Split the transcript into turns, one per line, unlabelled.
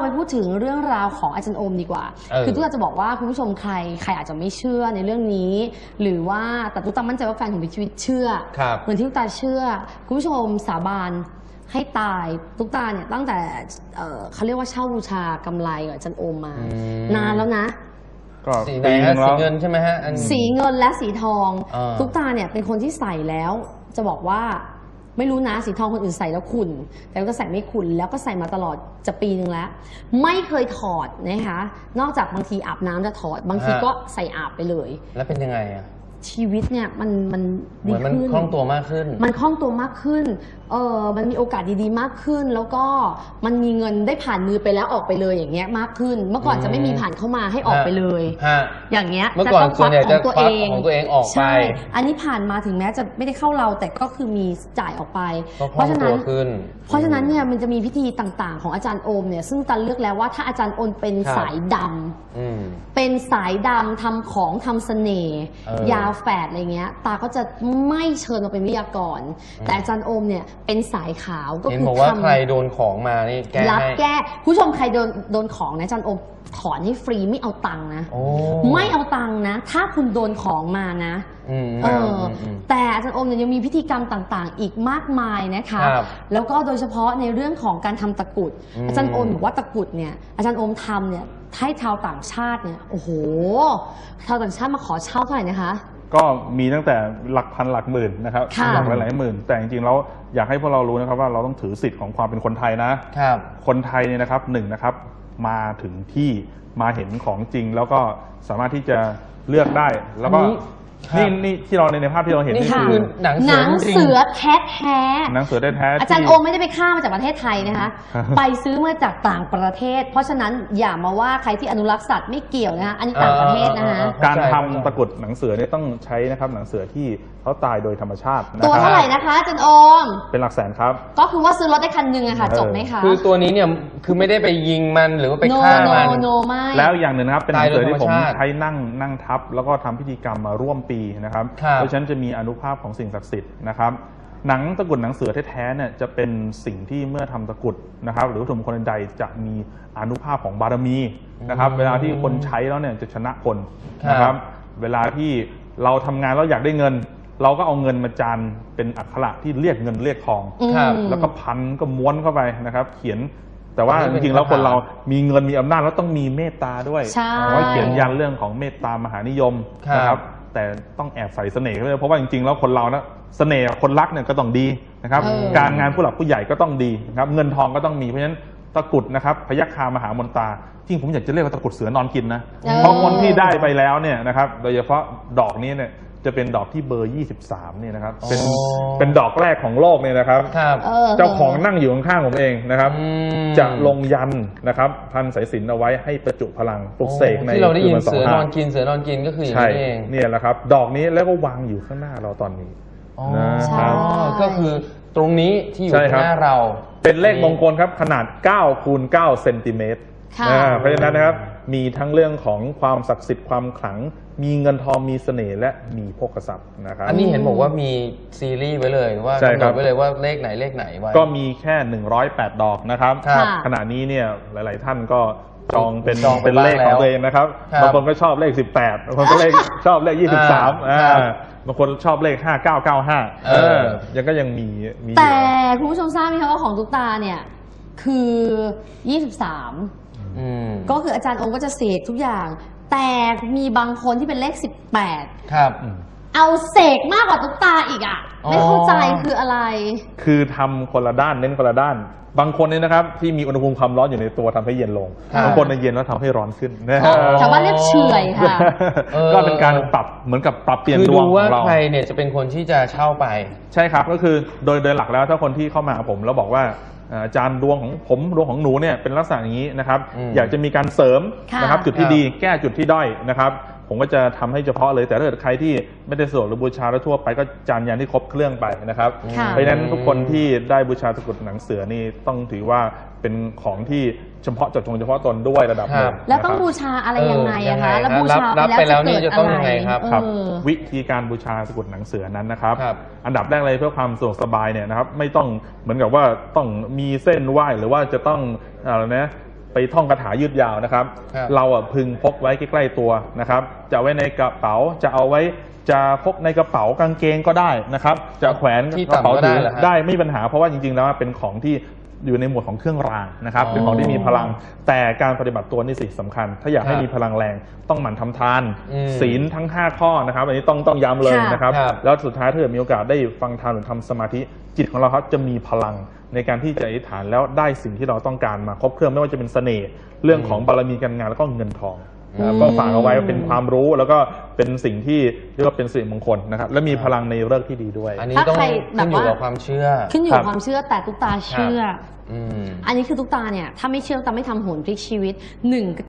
ไปพูดถึงเรื่องราวของอาจารย์โอมดีกว่าคือตุ๊กตาจะบอกว่าคุณผู้ชมใครอาจจะไม่เชื่อในเรื่องนี้หรือว่าแต่ตุ๊กตามั่นใจว่าแฟนของพี่ชีวิตเชื่อเหมือนที่ตุ๊กตาเชื่อคุณผู้ชมสาบานให้ตายตุ๊กตาเนี่ยตั้งแต่เขาเรียกว่าเช่าบูชากำไรกับอาจารย์โอมมานานแล้วนะ
สีไหนฮะสีเงินใช่ไหมฮะ
สีเงินและสีทองตุ๊กตาเนี่ยเป็นคนที่ใส่แล้วจะบอกว่าไม่รู้นะสีทองคนอื่นใส่แล้วขุ่นแต่ก็ใส่ไม่ขุ่นแล้วก็ใส่มาตลอดจะปีนึงแล้วไม่เคยถอดนะคะนอกจากบางทีอาบน้ำจะถอดบางทีก็ใส่อาบไปเลย
แล้วเป็นยังไงอะ
ชีวิตเนี่ยมัน
ดีขึ้นมันคล่องตัวมากขึ้น
มันคล่องตัวมากขึ้นมันมีโอกาสดีๆมากขึ้นแล้วก็มันมีเงินได้ผ่านมือไปแล้วออกไปเลยอย่างเงี้ยมากขึ้นเมื่อก่อนจะไม่มีผ่านเข้ามาให้ออกไปเลยอย่างเงี้ย
เมื่อก่อนส่วนใหญ่จะควักของตัวเองออกไป
อันนี้ผ่านมาถึงแม้จะไม่ได้เข้าเราแต่ก็คือมีจ่ายออกไป
เพราะฉะนั้น
เนี่ยมันจะมีพิธีต่างๆของอาจารย์โอมเนี่ยซึ่งตันเลือกแล้วว่าถ้าอาจารย์โอมเป็นสายดำเป็นสายดำทำของทำเสน่ห์ยาแฝดอะไรเงี้ยตาก็จะไม่เชิญมาเป็นวิทยากรแต่อาจารย์โอมเนี่ยเป็นสายขาวก็คือ
ทำใครโดนของมานี่แก้
รับแก้ผู้ชมใครโดนของนะอาจารย์โอมถอนให้ฟรีไม่เอาตังค์นะไม่เอาตังค์นะถ้าคุณโดนของมานะแต่อาจารย์โอมเนี่ยยังมีพิธีกรรมต่างๆอีกมากมายนะคะแล้วก็โดยเฉพาะในเรื่องของการทำตะกุดอาจารย์โอมบอกว่าตะกุดเนี่ยอาจารย์โอมทำเนี่ยให้ชาวต่างชาติเนี่ยโอ้โหชาวต่างชาติมาขอเช่าเท่าไหร่นะคะ
ก็มีตั้งแต่หลักพันหลักหมื่นนะครับหลักหลายหมื่นแต่จริงๆแล้วอยากให้พวกเรารู้นะครับว่าเราต้องถือสิทธิ์ของความเป็นคนไทยนะคนไทยเนี่ยนะครับนะครับมาถึงที่มาเห็นของจริงแล้วก็สามารถที่จะเลือกได้แล้วก็นี่ที่เราในภาพที่เราเห็นนี่คือ
หนังเสือแท้
หนังเสือแท้
อาจารย์โอมไม่ได้ไปฆ่ามาจากประเทศไทยนะคะไปซื้อมาจากต่างประเทศเพราะฉะนั้นอย่ามาว่าใครที่อนุรักษ์สัตว์ไม่เกี่ยวนะคะอันนี้ต่างประเทศนะคะ
การทำตะกุดหนังเสือเนี่ยต้องใช้นะครับหนังเสือที่เขาตายโดยธรรมชาติ
ตัวเท่าไหร่นะคะอาจารย์โอม
เป็นหลักแสนครับ
ก็คือว่าซื้อรถได้คันหนึ่งอะค่ะจบไหมคะ
คือตัวนี้เนี่ยคือไม่ได้ไปยิงมันหรือว่าไปฆ่ามัน
แล้วอย่างหนึ่งนะครับเป็นหนังเสือที่ผมใช้นั่งทับแล้วก็ทำพิธีกรรมมาร่วมปีนะครับเพราะฉะนั้นจะมีอานุภาพของสิ่งศักดิ์สิทธิ์นะครับหนังตะกุดหนังเสือแท้ๆเนี่ยจะเป็นสิ่งที่เมื่อทำตะกุดนะครับหรือวัตถุมงคลใดจะมีอานุภาพของบารมีนะครับเวลาที่คนใช้แล้วเนี่ยจะชนะคนนะครับเวลาที่เราทำงานแล้วอยากได้เงินเราก็เอาเงินมาจานเป็นอักขระที่เรียกเงินเรียกทองแล้วก็พันก็ม้วนเข้าไปนะครับเขียนแต่ว่าจริงๆแล้วคนเรามีเงินมีอำนาจแล้วต้องมีเมตตาด้วยไว้เขียนยันเรื่องของเมตตามหานิยมนะครับแต่ต้องแอบใส่เสน่ห์ด้วยเพราะว่าจริงๆแล้วคนเรานะเสน่ห์คนรักเนี่ยก็ต้องดีนะครับการงานผู้หลักผู้ใหญ่ก็ต้องดีนะครับเงินทองก็ต้องมีเพราะฉะนั้นตะกุดนะครับพยัคฆามหามนตาจริงผมอยากจะเรียกว่าตะกุดเสือนอนกินนะเพราะคนที่ได้ไปแล้วเนี่ยนะครับโดยเฉพาะดอกนี้เนี่ยจะเป็นดอกที่เบอร์ 23เนี่ยนะครับเป็นดอกแรกของโลกเนี่ยนะครับเจ้าของนั่งอยู่ข้างๆผมเองนะครับจะลงยันนะครับพันสายสิญจน์เอาไว้ให้ประจุพลังปลุกเสกใน
ที่เราได้ยินเสือนอนกินก็คืออย่างนี้เอง
เนี่ยแหละครับดอกนี้แล้วก็วางอยู่ข้างหน้าเราตอนนี้
นะครับก็คือตรงนี้ที่อยู่ข้างหน้าเรา
เป็นเลขมงคลครับขนาด9 คูณ 9 เซนติเมตรเพราะฉะนั้นนะครับมีทั้งเรื่องของความศักดิ์สิทธิ์ความขลังมีเงินทองมีเสน่ห์และมีโภคทรัพย์นะครับ
อันนี้เห็นบอกว่ามีซีรีส์ไว้เลยว่ากำหนดไว้เลยว่าเลขไหนไว้
ก็มีแค่108ดอกนะครับขณะนี้เนี่ยหลายๆท่านก็จองเป็นเลขของตัวเองนะครับบางคนก็ชอบเลข18บางคนก็ชอบเลข23บางคนชอบเลข5995ยังมี
แต่คุณผู้ชมทราบไหมคะว่าของตุ๊กตาเนี่ยคือ23ก็คืออาจารย์องค์ก็จะเสกทุกอย่างแต่มีบางคนที่เป็นเลข18
ครับ
เอาเสกมากกว่าตุ๊กตาอีกอ่ะไม่เข้าใจคืออะไร
คือทำคนละด้านเน้นคนละด้านบางคนเนี่ยนะครับที่มีอุณหภูมิความร้อนอยู่ในตัวทำให้เย็นลงบางคนในเย็นแล้วทำให้ร้อนขึ้น
ชาวบ้านเรียกเฉื่อยค่ะ
ก็เป็นการปรับเหมือนกับปรับเปลี่ยนดวงของเรา
ใครเนี่ยจะเป็นคนที่จะเช่าไป
ใช่ครับก็คือโดยหลักแล้วถ้าคนที่เข้ามาผมแล้วบอกว่าอาจารย์ดวงของผมดวงของหนูเนี่ยเป็นลักษณะอย่างนี้นะครับอยากจะมีการเสริมนะครับจุดที่ดีแก้จุดที่ด้อยนะครับผมก็จะทำให้เฉพาะเลยแต่ถ้าเกิดใครที่ไม่ได้สวดหรือบูชาแล้วทั่วไปก็จานยันที่ครบเครื่องไปนะครับเพราะฉะนั้นทุกคนที่ได้บูชาตะกุดหนังเสือนี่ต้องถือว่าเป็นของที่เฉพาะเจาะจงเฉพาะตนด้วยระดับหนึ่ง
แล้วต้องบูชาอะไรยังไงอะคะแล้วบูชา
ไปแล้วนี่จะต้องยังไงครับ
วิธีการบูชาตะกุดหนังเสือนั้นนะครับอันดับแรกเลยเพื่อความสะดวกสบายเนี่ยนะครับไม่ต้องเหมือนกับว่าต้องมีเส้นไหว้หรือว่าจะต้องอะไรนะไปท่องคาถายืดยาวนะครับเราพึงพกไว้ใกล้ๆตัวนะครับจะไว้ในกระเป๋าจะเอาไว้จะพกในกระเป๋ากางเกงก็ได้นะครับจะแขวนกระเป๋าถือได้ไม่มีปัญหาเพราะว่าจริงๆแล้วเป็นของที่อยู่ในหมวดของเครื่องรางนะครับเป็นของที่มีพลังแต่การปฏิบัติตัวนี่สิสำคัญถ้าอยากให้มีพลังแรงต้องหมั่นทำทานศีลทั้ง5ข้อนะครับอันนี้ต้องย้ำเลยนะครับแล้วสุดท้ายถ้าเกิดมีโอกาสได้ฟังธรรมหรือทำสมาธิจิตของเราครับจะมีพลังในการที่จะอธิษฐานแล้วได้สิ่งที่เราต้องการมาครบเครื่องไม่ว่าจะเป็นเสน่ห์เรื่องของบารมีการงานแล้วก็เงินทองก็ฝากเอาไว้เป็นความรู้แล้วก็เป็นสิ่งที่เรียกว่าเป็นสิริมงคลนะครับและมีพลังในฤกษ์ที่ดีด้วย
อันนี้ต้องขึ้นอยู่กับความเชื่อ
ขึ้นอยู่กับความเชื่อแต่ตุ๊กตาเชื่ออันนี้คือตุ๊กตาเนี่ยถ้าไม่เชื่อตุ๊กตาไม่ทำโหนพลิกชีวิต1